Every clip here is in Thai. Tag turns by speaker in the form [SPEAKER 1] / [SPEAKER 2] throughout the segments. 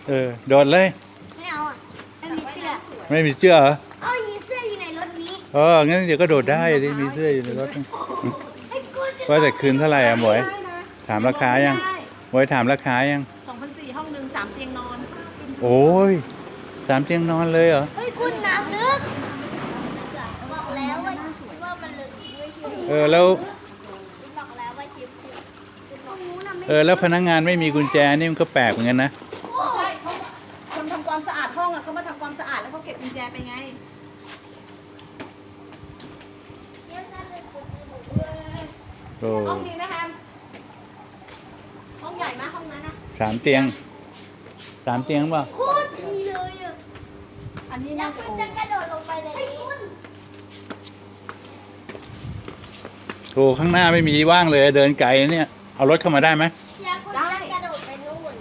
[SPEAKER 1] โดดเลย
[SPEAKER 2] ไม่เอาอ่ะไม่มีเสื้อ
[SPEAKER 1] ไม่มีเสื้อเหรอ
[SPEAKER 2] มีเสื้ออยู่ในรถนี้
[SPEAKER 1] งั้นเดี๋ยวก็โดดได้ดิมีเสื้ออยู่ในรถว่าแต่คืนเท่าไหร่อะหมวยถามราคายังหมวยถามราคายัง
[SPEAKER 3] 2,400ห้องนึง3 เตียงนอน
[SPEAKER 1] โอ้ย3 เตียงนอนเลยเหรอ
[SPEAKER 2] คุณน้ำลึกบอกแล้วว่ามันลึกไม่เชื่อ
[SPEAKER 1] แล้ว
[SPEAKER 2] บอกแล้วว่าชิป
[SPEAKER 1] แล้วพนักงานไม่มีกุญแจนี่มันก็แปลกเหมือนกันนะ
[SPEAKER 3] ใช่เขาคนทำความสะอาดห้องอะเขามาทำความสะอาดแล้วเขาเก็บกุญแจไปไงห้องนี้นะคะห้องใหญ่ไหมห้องนั้นนะ
[SPEAKER 1] 3 เตียงป่ะ
[SPEAKER 2] โคตรดีเลยอ่ะ
[SPEAKER 3] อันนี้น่าจะโอ้
[SPEAKER 2] จะกระโดดลงไปเลย
[SPEAKER 1] โอ้ข้างหน้าไม่มีว่างเลยเดินไกลเนี่ยเอารถเข้ามาได้ไหม
[SPEAKER 2] ได้กระโดดไปนู่น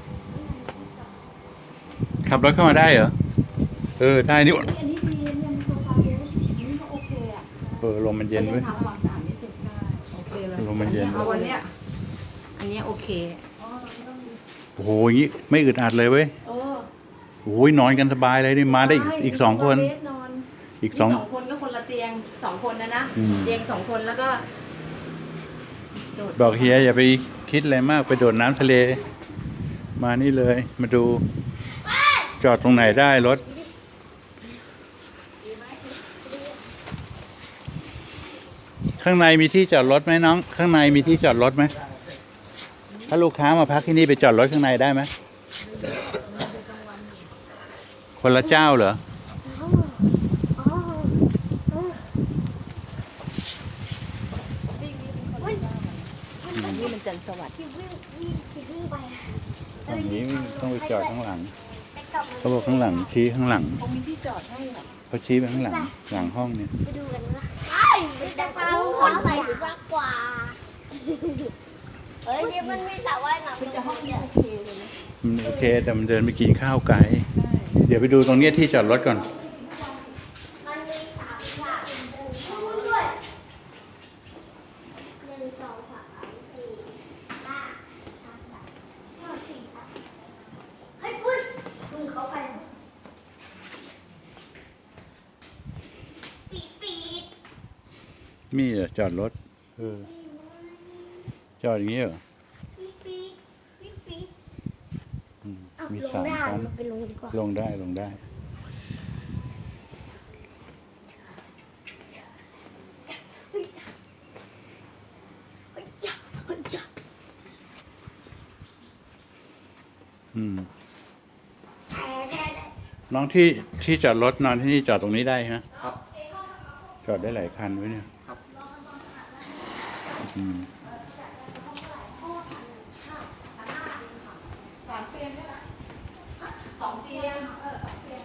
[SPEAKER 1] ขับรถเข้ามาได้เหรอได้นี่
[SPEAKER 3] อันนี้ดีเนี่ยมีโซฟาเยอะนี่ก็โอเคอ่ะ
[SPEAKER 1] ลมมันเย็นเว้ย
[SPEAKER 3] ทำความสะอาดไม่เสร็จได้โอเคเลย
[SPEAKER 1] ลมมันเย็น
[SPEAKER 3] เอาวันเนี้ยอันนี้โอเค
[SPEAKER 1] โอ้โหอย่างนี้ไม่อึดอัดเลยเว้ยโอ้ยนอนกันสบายเลยนี่มาได้อีก2 คนอีก2
[SPEAKER 3] คนก็คนละเตียง2 คนนะเตียง2 คนแล้วก็
[SPEAKER 1] บอกเฮียอย่าไปคิดอะไรมากไปโดดน้ำทะเลมานี่เลยมาดูจอดตรงไหนได้รถข้างในมีที่จอดรถไหมน้องข้างในมีที่จอดรถไหมถ้าลูกค้ามาพักที่นี่ไปจอดรถข้างในได้ไหมคนละเจ้าเหรอ
[SPEAKER 3] นี่มันจันทร์สวัสดิ์
[SPEAKER 1] อันนี้ต้องไปจอดข้างหลังเขาบอกข้างหลังชี้ข้างหลัง
[SPEAKER 3] เขามีที่จอดให้เหรอ
[SPEAKER 1] เขาชี้ไปข้างหลังห้องเนี่ย
[SPEAKER 2] ไปดูกันว่าไปจะพาคนไปมากกว่านี่มันมีสระว่ายน้ำ
[SPEAKER 3] เป็นห้องนี้โอเคเลยนะ
[SPEAKER 1] มันโอเคแต่มันเดินไปกินข้าวไกลเดี๋ยวไปดูตรงนี้ที่จอดรถก่อน
[SPEAKER 2] มันมี3 ฉากด้วย1 2 3 4 5 ให้คุณเขาไปปีด
[SPEAKER 1] มีเหรอจอดรถจอดอย่างนี้เหรอมี3 ชั้นลงได้น้องที่จอดรถนอนที่นี่จอดตรงนี้ได้ไหมครับจอดได้หลายคันไว้เนี่ยครับ
[SPEAKER 3] 3 เตียงได้ไหม2 เตียง2 เตียง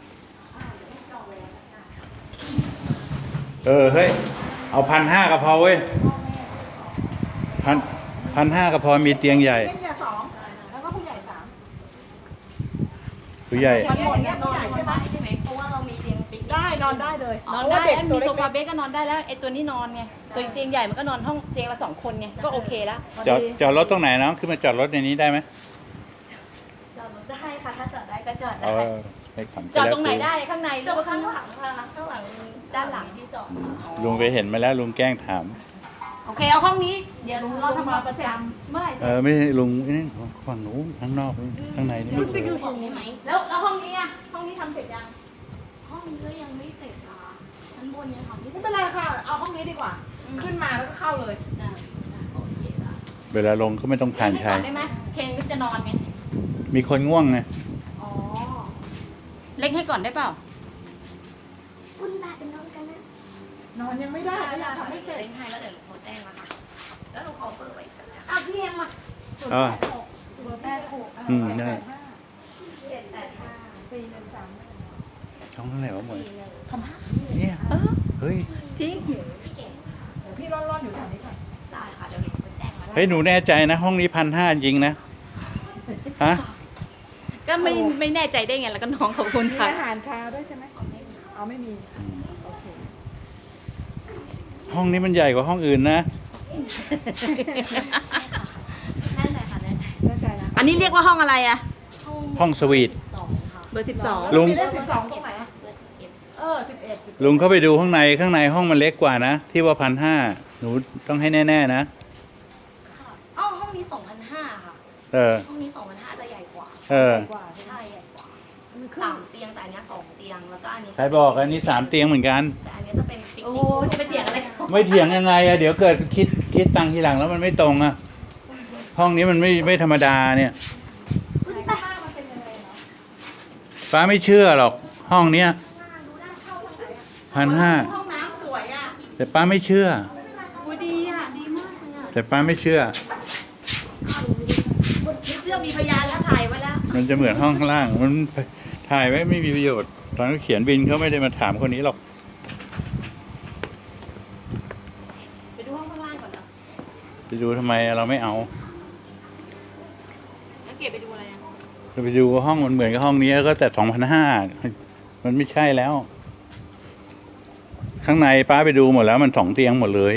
[SPEAKER 1] เฮ้ยเอา1,500ก็พอเว้ย1,500ก็พอมีเตียงใหญ่
[SPEAKER 3] เตียง2แล้วก็ผู้ใหญ่3
[SPEAKER 1] ผู้ใหญ่
[SPEAKER 3] ชั้นบนเนี่ยนอนใช่ไหมเพราะว่าเรามีเตียงปิ๊กได้นอนได้เลยนอนได้มีโซฟาเบสก็นอนได้แล้วไอ้ตัวนี้นอนไงตัวเตียงใหญ่มันก็นอนห้องเตียงละ2 คนไงก็โอเคแล้ว
[SPEAKER 1] จอดรถตรงไหนน้องขึ้นมาจอดรถในนี้ได้ไหม
[SPEAKER 3] จอดรถได้ค่ะถ้าจอดได้ก็จอดได้จอดตรงไหนได้ข้างในหรือว่าข้างหลังค่ะข้างหลังด้านหลังที่จอด
[SPEAKER 1] ลุงไปเห็นมาแล้วลุงแกล้งถาม
[SPEAKER 3] โอเคเอาห้องนี้เดี๋ยวลุงเราทำความประจำเมื่อไหร่เสร็จ
[SPEAKER 1] ไม่ลุงนี่ฝั่งนู้นข้างนอกข้างในนี่
[SPEAKER 3] ไปดูห้องนี้ไหมแล้วห้องนี้อ่ะห้องนี้ทำเสร็จยัง
[SPEAKER 2] ห้องนี้ก็ยังไม่เสร็จอ่ะชั้นบนยังทำไม่
[SPEAKER 3] เป็นไรค่ะเอาห้องนี้ดีกว่าขึ้นมาแล้วก็เข้าเลย
[SPEAKER 2] โอเคละ
[SPEAKER 1] เวลาลงก็ไม่ต้องผ่านใคร
[SPEAKER 3] ได้ไหมเคนก็จะนอนไง
[SPEAKER 1] มีคนง่วงไง
[SPEAKER 3] อ๋อเล็กให้ก่อนได้เปล่า
[SPEAKER 2] คุณตาเป็นนอนกันนะ
[SPEAKER 3] นอนยังไม่ได้อยากทำให้เสร็จ
[SPEAKER 2] ให้แล้วเดี๋ยวเขาแจ้งนะคะแล้วหนูขอเปิดไว้เอาพี่เอ็มอ่ะ
[SPEAKER 1] 086ได้ช่องเท่าไหร่วะหมวยเนี่ยเฮ้ย
[SPEAKER 3] จริงพี่ร่อนอยู่แถวนี้ค่ะ
[SPEAKER 2] ได้ค่ะเดี๋ยวหนูไปแจ้งมา
[SPEAKER 1] เฮ้ยหนูแน่ใจนะห้องนี้1,500จริงนะฮะ
[SPEAKER 3] ก็ไม่แน่ใจได้ไงแล้วก็น้องขอบคุณค่ะ
[SPEAKER 4] อาหารเช้าด้วยใช่ไหมเอาไม่มีโอเค
[SPEAKER 1] ห้องนี้มันใหญ่กว่าห้องอื่นนะ
[SPEAKER 2] แน่ใจค่ะแน่ใจ
[SPEAKER 3] อันนี้เรียกว่าห้องอะไรอะ
[SPEAKER 2] ห้อง
[SPEAKER 1] ห้องสวีท
[SPEAKER 3] เบอร์
[SPEAKER 1] ลุง
[SPEAKER 4] มีเลข12ตรงไหนอะ11
[SPEAKER 1] ลุงเข้าไปดูข้างในห้องมันเล็กกว่านะที่ว่า1,500หนูต้องให้แน่ๆนะ
[SPEAKER 5] อ้าวห้องนี้2,500ค่ะ
[SPEAKER 1] เออ
[SPEAKER 5] ห้องนี้2,500จะใหญ่กว่า
[SPEAKER 1] เออ
[SPEAKER 4] กว่า
[SPEAKER 5] ใช่ใหญ่กว่า3 เตียงแต่อันเนี้ย2 เตียงแล้วก็อันนี้
[SPEAKER 1] ใครบอกอันนี้3 เตียงเหมือนกัน
[SPEAKER 5] แต่อันเนี้ยจะเป็นปิก
[SPEAKER 3] โอ้
[SPEAKER 5] นิ
[SPEAKER 3] โห
[SPEAKER 5] ก
[SPEAKER 3] จะไปเถียงอะไร
[SPEAKER 1] ไม่เถียงยังไงอะเดี๋ยวเกิดคิดตังค์ทีหลังแล้วมันไม่ตรงอะห้องนี้มันไม่ธรรมดาเนี่ยป้าไม่เชื่อหรอกห้องเนี้ย1,500
[SPEAKER 3] ห้องน้ำสวยอ่ะ
[SPEAKER 1] แต่ป้าไม่เชื่อ
[SPEAKER 3] โอ้ดีอ่ะ ดีมากเลยอ่ะ
[SPEAKER 1] แต่ป้าไม่เชื่อ
[SPEAKER 3] ไม่เชื่อมีพยานแล้วถ่ายไว้แล้ว
[SPEAKER 1] มันจะเหมือนห้องข้างล่างมันถ่ายไว้ไม่มีประโยชน์ตอนเขาเขียนบินเขาไม่ได้มาถามคนนี้หรอก
[SPEAKER 3] ไปดูห้องข้างล่างก่อนนะ
[SPEAKER 1] ไปดูทำไมเราไม่เอา
[SPEAKER 3] แล้วเก็บไปดูอะไรอ่ะ
[SPEAKER 1] เราไปดูห้องมันเหมือนกับห้องนี้ก็แต่2,500มันไม่ใช่แล้ว ข้างในป้าไปดูหมดแล้วมัน2 เตียงหมดเลย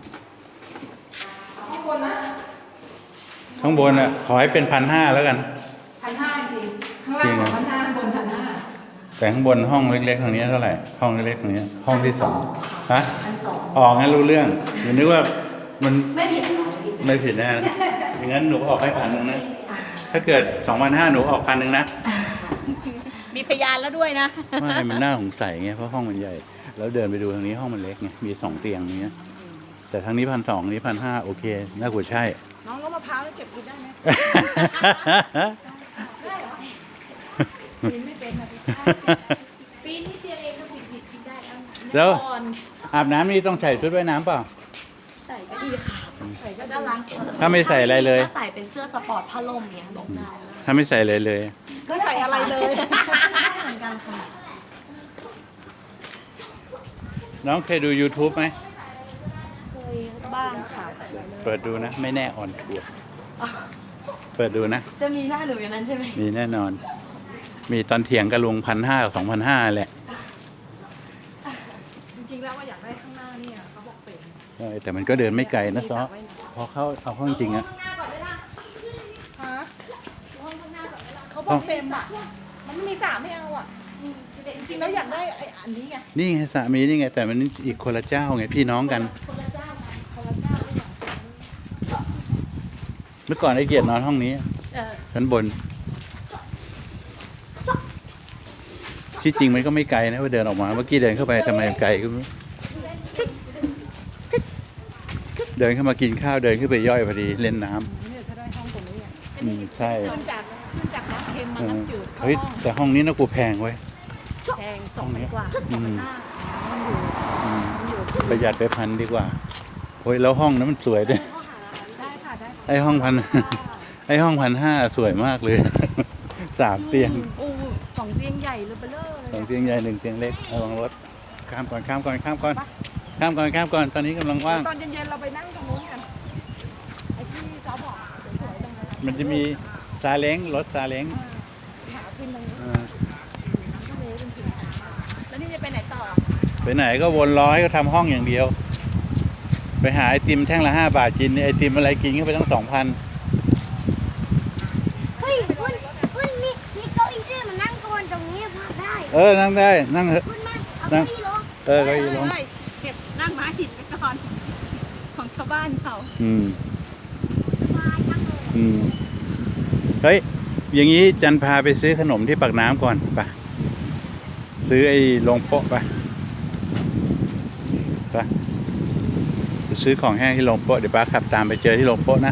[SPEAKER 1] ข้างบนอ่ะขอให้เป็น1,500แล้วกัน
[SPEAKER 4] 1,500จริงข้าง
[SPEAKER 1] จริ
[SPEAKER 4] ล่าง
[SPEAKER 1] งอะ
[SPEAKER 4] 2,500ข้างบน1,500
[SPEAKER 1] แต่ข้างบนห้องเล็กๆทางนี้เท่าไหร่ห้องเล็กๆทางนี้ห้องที่2ฮะ
[SPEAKER 5] 1,200
[SPEAKER 1] ออกงั้นรู้เรื่องหนูนึกว่ามัน
[SPEAKER 5] ไม่ผิดหรอ
[SPEAKER 1] ไม่ผิดแน่อย่างนั้นหนูออกให้1,000นะถ้าเกิด2,500หนูออก1,000นะ
[SPEAKER 3] มีพยานแล้วด้วยนะ
[SPEAKER 1] ไม่มันน่าสงสัยไงเพราะห้องมันใหญ่ แล้วเดินไปดูทางนี้ห้องมันเล็กไงมี2 เตียงเนี้ยแต่ทางนี้1,200นี้1,500โอเคน่ากลัวใช่
[SPEAKER 4] น้องแล้วมะพร้าวนี่เก็บกินได้ไหมกินไม่เป็นนะพี่
[SPEAKER 3] ปีนี้เตียงเองก็ผิดกินได้แล้ว
[SPEAKER 1] แล้ว
[SPEAKER 4] ก่อน
[SPEAKER 1] อาบน้ำนี่ต้องใส่ชุดว่ายน้ำเปล่า
[SPEAKER 5] ใส่ก็ดีค่ะ
[SPEAKER 4] ใส่ก็
[SPEAKER 5] แล้วก็ล้าง
[SPEAKER 1] ถ้าไม่ใส่อะไรเลย
[SPEAKER 5] ถ้าใส่เป็นเสื้อสปอร์ตผ้าล่มเนี่ยบอกได้
[SPEAKER 1] ถ้าไม่ใส่อะไรเลย
[SPEAKER 4] ไม่ใส่อะไรเลย
[SPEAKER 5] เหมือนกันค่ะ
[SPEAKER 1] น้องเคยดู YouTube ไหม
[SPEAKER 5] เคยบ้างค่ะ
[SPEAKER 1] เปิดดูนะ ไม่แน่ออนทัวร์เปิดดูนะ
[SPEAKER 5] จะมีหน้าหนูอย่างนั้นใช่ไหม
[SPEAKER 1] มีแน่นอน มีตอนเถียงกับลุง1,500กับ2,500แหละ
[SPEAKER 4] จริงๆแล้วว่าอยากได้ข้างหน้าเนี่ยเขาบอกเป็น
[SPEAKER 1] ใช่แต่มันก็เดินไม่ไกลนะซอพอเข้าเอาเข้าจริงๆอะ
[SPEAKER 4] ฮะเขาบอกเต็มอ่ะ มันไม่มีสระไม่เอาอ่ะจริงๆแล้วอยากได้ไอ้อันนี้ไง
[SPEAKER 1] นี่ไงสามีนี่ไง แต่มันอีกคนละเจ้าไงพี่น้องกัน เมื่อก่อนไอ้เกียรตินอนห้องนี้ ชั้นบน ที่จริงมันก็ไม่ไกลนะว่าเดินออกมา เมื่อกี้เดินเข้าไปทำไมไกลก็ไม่รู้เดินเข้ามากินข้าวเดินขึ้นไปย่อยพอดีเล่นน้ำ
[SPEAKER 4] เนี่ยถ้าได้ห้องตรงนี้อ่ะ
[SPEAKER 1] ใช่
[SPEAKER 4] ขึ้นจากน้ำเค็มมาน้ำจืดเข้า
[SPEAKER 1] เฮ้ย
[SPEAKER 4] ห้อง
[SPEAKER 1] แต่ห้องนี้น่ากลัวแพงเว้ย
[SPEAKER 3] แพง2,000 กว่า
[SPEAKER 1] อืม
[SPEAKER 4] มันอยู่
[SPEAKER 1] อืมประหยัดไป1,000ดีกว่าโอ้ยแล้วห้องนั้นมันสวยด้วย
[SPEAKER 4] ได้ค่ะได้
[SPEAKER 1] ไอ้ห้องไอ้ห้อง1,500สวยมากเลย 3 เตียง
[SPEAKER 3] โอ้2 เตียงใหญ่เลยเบลอเลย
[SPEAKER 1] 2 เตียงใหญ่1 เตียงเล็กระวังรถข้ามก่อนตอนนี้กำลังว่าง
[SPEAKER 4] ตอนเย็นๆเราไปนั่งตรงนู้นกันไอ้ที่ซอบอกสวยๆตรงนั้น
[SPEAKER 1] มันจะมีซาเล้งรถซาเล้ง
[SPEAKER 4] หาขึ้นตรงนี้
[SPEAKER 3] แล้วนี่จะไปไหนต่อ
[SPEAKER 1] ไปไหนก็วนล้อให้เขาทำห้องอย่างเดียว ไปหาไอติมแท่งละ5 บาทกินไอติมอะไรกินก็ไปตั้ง 2,000
[SPEAKER 2] เฮ้ยคุณมีเก้าอี้ด้วยมานั่งก่อนตรงนี้พักได้
[SPEAKER 1] นั่งได้นั่งเถอะ
[SPEAKER 2] คุณมาเอาเก้าอี้ลง
[SPEAKER 1] เก็อีลง
[SPEAKER 3] เก็บนั่งม้าหินไปก่อน ของชาวบ้านเขา
[SPEAKER 1] อืม
[SPEAKER 2] สบายจังเลย
[SPEAKER 1] อืมเฮ้ย อย่างนี้จันพาไปซื้อขนมที่ปากน้ำก่อนไปซื้อไอ้โรงโป๊ะไปซื้อของแห้งที่โรงโป๊ะเดี๋ยวป้าขับตามไปเจอที่โรงโป๊ะนะ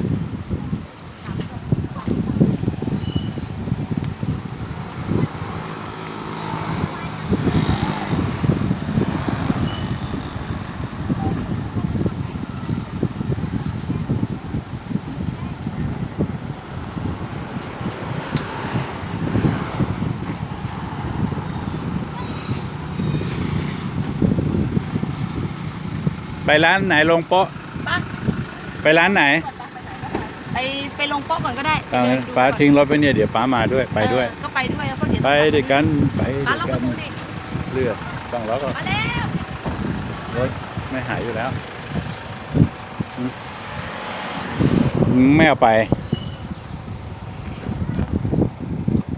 [SPEAKER 1] ไปร้านไหนโรงโป๊ะไปร้านไหน
[SPEAKER 3] ไปลงโป๊ะก่อนก็ได้
[SPEAKER 1] เอางั้นป้าทิ้งรถไปเนี่ยเดี๋ยวป้ามาด้วยไปด้วย
[SPEAKER 3] ก็ไปด้วยแล้วก็เดี๋ยว
[SPEAKER 1] ไปด้วยกันไป
[SPEAKER 3] ป้า
[SPEAKER 1] ด้วย
[SPEAKER 3] ล็อกป
[SPEAKER 1] กั
[SPEAKER 3] ระ
[SPEAKER 1] น
[SPEAKER 3] ตูดิ
[SPEAKER 1] เลือดต้องล็อกก่อน
[SPEAKER 3] มาแล้ว
[SPEAKER 1] รถไม่หายอยู่แล้วไม่เอาไป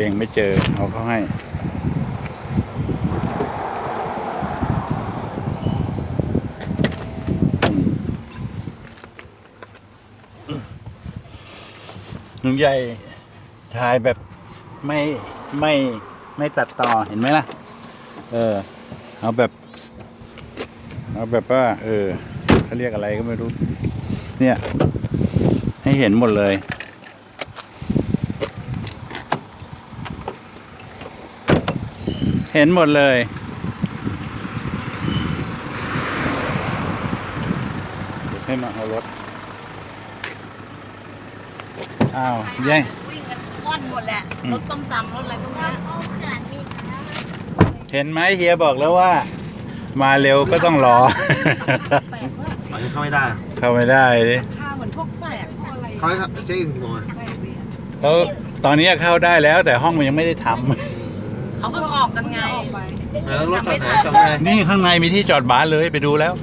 [SPEAKER 1] องไม่เจอเอาเขาให้ลุงใหญ่ถ่ายแบบไม่ตัดต่อเห็นไหมล่ะ เอาแบบว่าเขาเรียกอะไรก็ไม่รู้ เนี่ย ให้เห็นหมดเลย เห็นหมดเลยเดี๋ยวให้มาเอารถอ้าวยัย
[SPEAKER 5] วิ่งกันว่อนหมดแหละ รถต้มตำรถอะไรพวกนี้
[SPEAKER 2] เอาเขื่อนนี่นะ
[SPEAKER 1] เห็นไหมเฮียบอกแล้วว่า มาเร็วก็ต้องรอ
[SPEAKER 4] แปลกว่า
[SPEAKER 6] อันนี้เข้าไม่ได้
[SPEAKER 1] เข้าไม่ได้ดิ
[SPEAKER 4] ค่าเหมือนพวกแสกพวกอะไร
[SPEAKER 6] เขาให้เช็คอินกี่โมงอะ
[SPEAKER 4] แปลกดีอะ
[SPEAKER 1] แล้วตอนนี้เข้าได้แล้วแต่ห้องมันยังไม่ได้ทำ
[SPEAKER 5] เขาเพิ่งออกกันไง
[SPEAKER 4] ออกไป
[SPEAKER 6] แล้วรถจอดไหนจอดไง
[SPEAKER 1] นี่ข้างในมีที่จอดบาสเลยไปดูแล้ว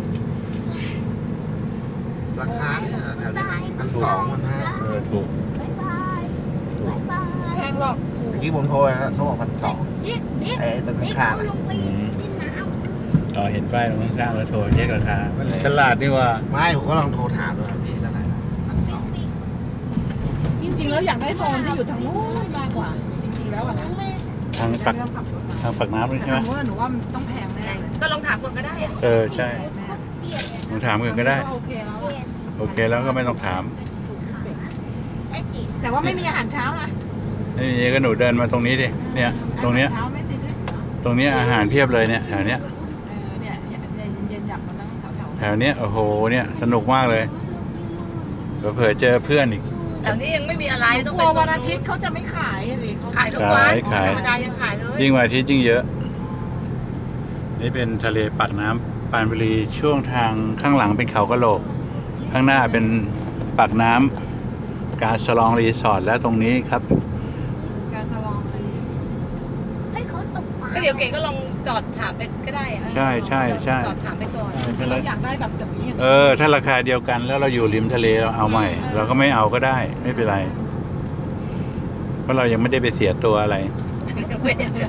[SPEAKER 6] ราคาเนี่ยแถวนี้1,200 1,500
[SPEAKER 1] ถูก
[SPEAKER 2] บ๊ายบายบ๊ายบาย
[SPEAKER 4] แพงหรอก
[SPEAKER 6] เมื่อกี้ผมโทรไปแล้วเขาบอก1,200
[SPEAKER 2] นี่
[SPEAKER 6] ไอ้ตรง
[SPEAKER 2] นี่
[SPEAKER 6] ข้าง
[SPEAKER 2] เขา
[SPEAKER 6] ๆอะ
[SPEAKER 2] ลงไปเล่นน้ำ
[SPEAKER 1] อ๋อเห็นป้ายตรงข้างๆแล้วโทรเช็คราคาฉลาดดีว่า
[SPEAKER 6] ไม่ผมก็ลองโทรถามด้วยพี่เท่าไหร่นะ1,200
[SPEAKER 4] จริงๆแล้วอยากได้โซนที่อยู่ทางนู้นมากกว่า จริงๆแล้วอะนะ
[SPEAKER 1] ทางปักทางปักน้ำเลย
[SPEAKER 4] แต่
[SPEAKER 1] ใช่ไหม
[SPEAKER 4] ทางนู้นหนูว่ามันต้องแพงแน่เลย
[SPEAKER 5] ก็ลองถามคนก็ได้อะ
[SPEAKER 1] ใช่ลองถามกันก็ได้
[SPEAKER 4] โอเคแล้วอะ
[SPEAKER 1] โอเคแล้วก็ไม่ต้องถาม
[SPEAKER 2] ได้ฉีด
[SPEAKER 4] แต่ว่าไม่มีอาหารเช้านะ
[SPEAKER 1] นี่ก็หนูเดินมาตรงนี้ดิเนี่ย ตรงเนี้ย
[SPEAKER 4] อาหารเช้าไม่ติดด้วย
[SPEAKER 1] ตรงเนี้ยอาหารเพียบเลยเนี่ยแถวเนี้ย
[SPEAKER 4] เนี่ยเย็นๆอยากมานั่งแถว
[SPEAKER 1] แถวเนี้ยโอ้โหเนี่ยสนุกมากเลยเผื่อเจอเพื่อนอีก
[SPEAKER 5] แถวนี้ยังไม่มีอะไร
[SPEAKER 4] ๆ
[SPEAKER 5] ต้อง
[SPEAKER 4] ก
[SPEAKER 5] ไป
[SPEAKER 4] ลัว
[SPEAKER 5] โซ
[SPEAKER 4] วัน
[SPEAKER 5] น
[SPEAKER 4] อาทิ
[SPEAKER 5] นู้
[SPEAKER 4] ต
[SPEAKER 5] น
[SPEAKER 4] ย์เขาจะไม่ขายเลยเขา
[SPEAKER 5] ขายทุกวัน
[SPEAKER 1] ขาย
[SPEAKER 5] ธรรมดายังขายเลย
[SPEAKER 1] ยิ่งวันอาทิตย์ยิ่งเยอะ นี่เป็นทะเลปากน้ำปรานบุรีช่วงทางข้างหลังเป็นเขากะโหลก ข้างหน้าเป็นปากน้ำกาสลองรีสอร์ทและตรงนี้ครับ
[SPEAKER 4] การสลองอะไร
[SPEAKER 2] ให้เขาตกปลา
[SPEAKER 5] ก็เดี๋ยวเก๋ก็ลองจอดถามไปก็ได้อะ
[SPEAKER 1] ใช่ใช่ใช่
[SPEAKER 5] จอดถามไปก่อน
[SPEAKER 4] เราอยากได้แบบนี้
[SPEAKER 1] ถ้าราคาเดียวกันแล้วเราอยู่ริมทะเลเราเอาใหม่ เราก็ไม่เอาก็ได้ ไม่เป็นไร เพราะเรายังไม่ได้ไปเสียตัวอะไร
[SPEAKER 5] ไม่ได้เจอ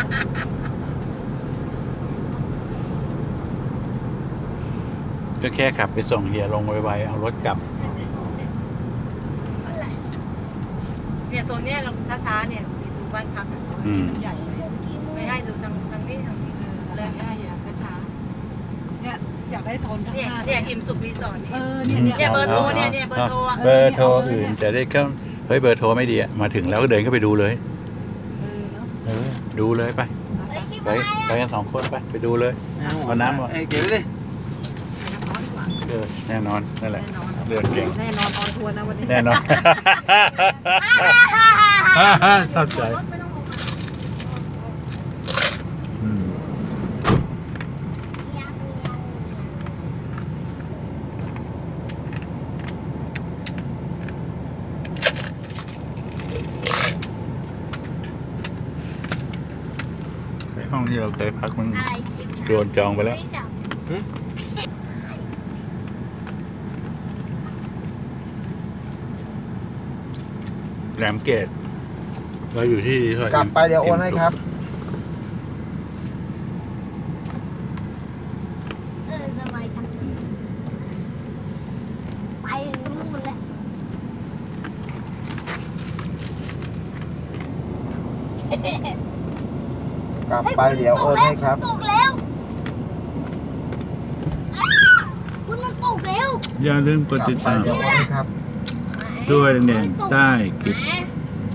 [SPEAKER 1] ก็แค่ขับไปส่งเฮียลงไวๆเอารถกลับ
[SPEAKER 5] เนี่ยโซนเนี้ยเราช้าๆเนี่ยดูบ้านพักอะ
[SPEAKER 1] อืม
[SPEAKER 4] ใหญ่
[SPEAKER 5] ไม่ให้ดูทางนี้ทางนี้
[SPEAKER 4] อยากได้อะช้าๆเนี่ยอยากได้โซนข้าง
[SPEAKER 5] เนี่ย
[SPEAKER 4] หน้า
[SPEAKER 5] เนี่ยอิ่มสุขรีสอร์ท
[SPEAKER 4] เอ
[SPEAKER 5] เนี่ย
[SPEAKER 4] อเนี่ย
[SPEAKER 5] เบอร์โทรเนี่ยเบอร์โทรอะ
[SPEAKER 1] เบอร์โทรอื่นจะได้ก็เฮ้ยเบอร์โทรไม่ดีอะมาถึงแล้วก็เดินเข้าไปดูเลย ดูเลยไป
[SPEAKER 2] เฮ้ยคิด
[SPEAKER 1] ไป
[SPEAKER 2] ว่าอะไร
[SPEAKER 1] ไปกัน2 คนไปดูเลย เอาน้ำมา
[SPEAKER 6] ไอ้เก๋ดิ
[SPEAKER 1] แน่นอนนั่นแหละเลือดเก่ง
[SPEAKER 4] แน่นอนออนทัวร์นะวันนี้
[SPEAKER 1] แน่นอน ชอบใจอืมไปห้องที่เราเคยพักมัน
[SPEAKER 2] อะไรชิม
[SPEAKER 1] โดนจองไปแล้ว
[SPEAKER 2] ไม่จับ
[SPEAKER 1] แหลมเกตเราอยู่ที่ซอย
[SPEAKER 6] กลับไปเดี๋ยวโอนให้ครับ
[SPEAKER 2] สบายจังไปนู่นแล้ว
[SPEAKER 6] กลับไปเดี๋ยวโอนให้ครับ
[SPEAKER 2] ตกแล้วอ้าคุณมันตกแล้ว
[SPEAKER 1] อย่าลืมกดติด
[SPEAKER 6] ไป
[SPEAKER 1] ตาม
[SPEAKER 6] เดี๋ยวโอนให้ครับ
[SPEAKER 1] ด้วยแดงใต้คลิป
[SPEAKER 2] แหม